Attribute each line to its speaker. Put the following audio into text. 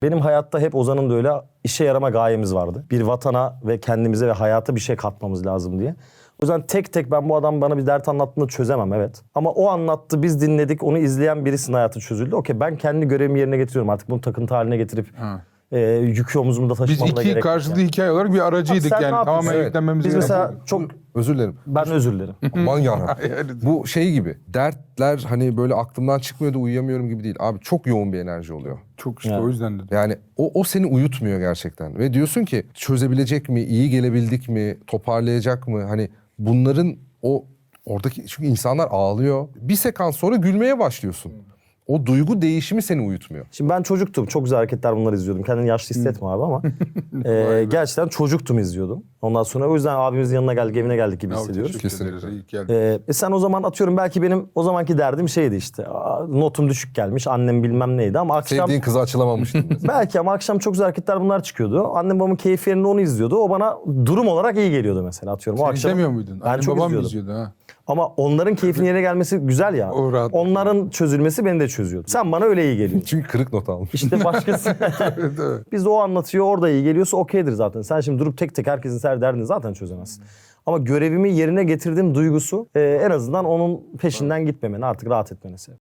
Speaker 1: Benim hayatta hep Ozan'ın da öyle işe yarama gayemiz vardı. Bir vatana ve kendimize ve hayata bir şey katmamız lazım diye. O yüzden tek tek ben bu adam bana bir dert anlattığında çözemem, evet. Ama o anlattı, biz dinledik, onu izleyen birisinin hayatı çözüldü. Okey, ben kendi görevimi yerine getiriyorum artık, bunu takıntı haline getirip yükü omzumda
Speaker 2: Biz
Speaker 1: taşımamda gerek
Speaker 2: iki
Speaker 1: yok
Speaker 2: karşılıklı
Speaker 1: yani.
Speaker 2: hikaye olarak bir aracıydık
Speaker 1: Sen ne
Speaker 2: yani.
Speaker 1: yapıyorsun?
Speaker 2: Tamamen
Speaker 1: Evet.
Speaker 2: yüklenmemiz
Speaker 1: Biz
Speaker 2: gerekiyor.
Speaker 1: mesela çok...
Speaker 3: Özür dilerim.
Speaker 1: Ben özür dilerim.
Speaker 3: Aman yarabbim.
Speaker 2: Yani
Speaker 3: Bu şey gibi. Dertler hani böyle aklımdan çıkmıyor da uyuyamıyorum gibi değil. Abi çok yoğun bir enerji oluyor.
Speaker 2: çok işte
Speaker 1: Yani.
Speaker 2: o yüzden dedim.
Speaker 3: Yani o seni uyutmuyor gerçekten. Ve diyorsun ki çözebilecek mi, iyi gelebildik mi, toparlayacak mı? Hani bunların oradaki, çünkü insanlar ağlıyor. Bir sekans sonra gülmeye başlıyorsun. O duygu değişimi seni uyutmuyor.
Speaker 1: Şimdi ben çocuktum. Çok güzel hareketler, bunları izliyordum. Kendini yaşlı hissetme abi ama gerçekten çocuktum, izliyordum. Ondan sonra o yüzden abimizin yanına geldik, evine geldik gibi hissediyoruz.
Speaker 2: Kesinlikle. Ederiz, iyi geldin.
Speaker 1: Sen o zaman atıyorum, belki benim o zamanki derdim şeydi işte. Notum düşük gelmiş, annem bilmem neydi ama akşam...
Speaker 3: Sevdiğin kızı açılamamıştın mesela.
Speaker 1: Belki, ama akşam çok güzel hareketler bunlar çıkıyordu. Annem babamın keyfi yerinde onu izliyordu. O bana durum olarak iyi geliyordu mesela, atıyorum.
Speaker 2: Sen
Speaker 1: o akşam
Speaker 2: izlemiyor muydun?
Speaker 1: Ben
Speaker 2: Annem
Speaker 1: çok
Speaker 2: babam
Speaker 1: izliyordum.
Speaker 2: izliyordu ha.
Speaker 1: Ama onların keyfinin yerine gelmesi güzel ya.
Speaker 2: O rahat.
Speaker 1: Onların çözülmesi beni de çözüyordu. Sen bana öyle iyi geliyor.
Speaker 3: Çünkü kırık not almış.
Speaker 1: İşte başkası...
Speaker 2: Evet, evet.
Speaker 1: Biz de o anlatıyor, orada iyi geliyorsa okeydir zaten. Sen şimdi durup tek tek herkesin her derdini zaten çözemezsin. Ama görevimi yerine getirdiğim duygusu en azından onun peşinden gitmemeni, artık rahat etmeni sebep.